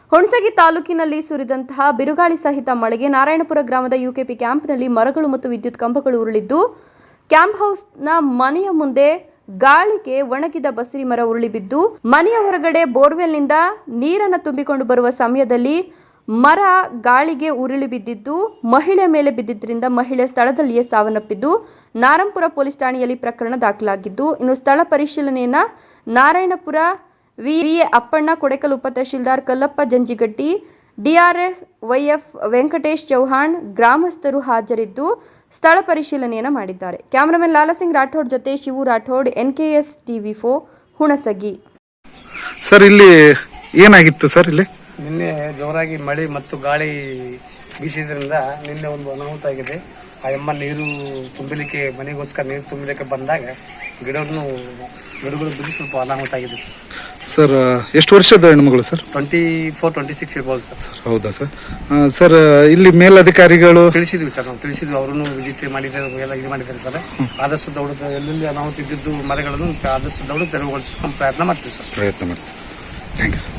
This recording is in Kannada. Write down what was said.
ಹುಣಸಗಿ ತಾಲೂಕಿನಲ್ಲಿ ಸುರಿದಂತಹ ಬಿರುಗಾಳಿ ಸಹಿತ ಮಳೆಗೆ ನಾರಾಯಣಪುರ ಗ್ರಾಮದ ಯುಕೆಪಿ ಕ್ಯಾಂಪ್ನಲ್ಲಿ ಮರಗಳು ಮತ್ತು ವಿದ್ಯುತ್ ಕಂಬಗಳು ಉರುಳಿದ್ದು ಕ್ಯಾಂಪ್ ಹೌಸ್ನ ಮನೆಯ ಮುಂದೆ ಗಾಳಿಗೆ ಒಣಗಿದ ಬಸರಿ ಮರ ಉರುಳಿ ಬಿದ್ದು ಮನೆಯ ಹೊರಗಡೆ ಬೋರ್ವೆಲ್ನಿಂದ ನೀರನ್ನು ತುಂಬಿಕೊಂಡು ಬರುವ ಸಮಯದಲ್ಲಿ ಮರ ಗಾಳಿಗೆ ಉರುಳಿ ಬಿದ್ದಿದ್ದು ಮಹಿಳೆ ಮೇಲೆ ಬಿದ್ದಿದ್ದರಿಂದ ಮಹಿಳೆ ಸ್ಥಳದಲ್ಲಿಯೇ ಸಾವನ್ನಪ್ಪಿದ್ದು ನಾರಾಯಣಪುರ ಪೊಲೀಸ್ ಠಾಣೆಯಲ್ಲಿ ಪ್ರಕರಣ ದಾಖಲಾಗಿದ್ದು ಇನ್ನು ಸ್ಥಳ ಪರಿಶೀಲನೆಯನ್ನ ನಾರಾಯಣಪುರ ವಿಎ ಅಪ್ಪಣ್ಣ, ಕೊಡೆಕಲ್ ಉಪ ತಹಶೀಲ್ದಾರ್ ಕಲ್ಲಪ್ಪ ಜಂಜಿಗಟ್ಟಿ, ಡಿಆರ್ಎಫ್ ವೈಎಫ್ ವೆಂಕಟೇಶ್ ಚೌಹಾಣ್ ಗ್ರಾಮಸ್ಥರು ಹಾಜರಿದ್ದು ಸ್ಥಳ ಪರಿಶೀಲನೆಯನ್ನು ಮಾಡಿದ್ದಾರೆ. ಕ್ಯಾಮರಾಮನ್ ಲಾಲಾಸಿಂಗ್ ರಾಠೋಡ್ ಜೊತೆ Shivu Rathod, NKS TV4 Hunasagi. Sir ಇಲ್ಲಿ ಏನಾಗಿತ್ತು ಸರ್? ಇಲ್ಲಿ ನಿನ್ನೆ ಜೋರಾಗಿ ಮಳೆ ಮತ್ತು ಗಾಳಿ ಬೀಸಿದ್ರಿಂದ ನಿನ್ನೆ ಒಂದು ಅನಾಹುತ ಆಗಿದೆ. ಆ ಎಮ್ಮ ನೀರು ತುಂಬಲಿಕ್ಕೆ ಮನೆಗೋಸ್ಕರ ನೀರು ತುಂಬಲಿಕ್ಕೆ ಬಂದಾಗ ಗಿಡಗಳು ಬಿದ್ದು ಸ್ವಲ್ಪ ಅನಾಹುತ ಆಗಿದೆ ಸರ್. ಎಷ್ಟು ವರ್ಷದ ಹೆಣ್ಮಗಳು ಸರ್? 24-26 ಇರ್ಬೋದು ಸರ್. ಹೌದಾ ಸರ್? ಸರ್ ಇಲ್ಲಿ ಮೇಲಧಿಕಾರಿಗಳು ತಿಳಿಸಿದ್ವಿ ಸರ್, ನಾವು ತಿಳಿಸಿದ್ವಿ. ಅವರನ್ನು ವಿಸಿಟ್ ಮಾಡಿದ್ದಾರೆ, ಎಲ್ಲ ಇದು ಮಾಡಿದ್ದಾರೆ ಸರ್. ಆದಷ್ಟು ದೌಡ ಎಲ್ಲೆಲ್ಲಿ ಅನಾಹುತ ಇದ್ದಿದ್ದು ಮರಗಳನ್ನು ಆದಷ್ಟು ದೌಡ ತೆರವುಗೊಳಿಸ್ಕೊಂಡು ಪ್ರಯತ್ನ ಮಾಡ್ತೀವಿ ಸರ್. Thank you sir.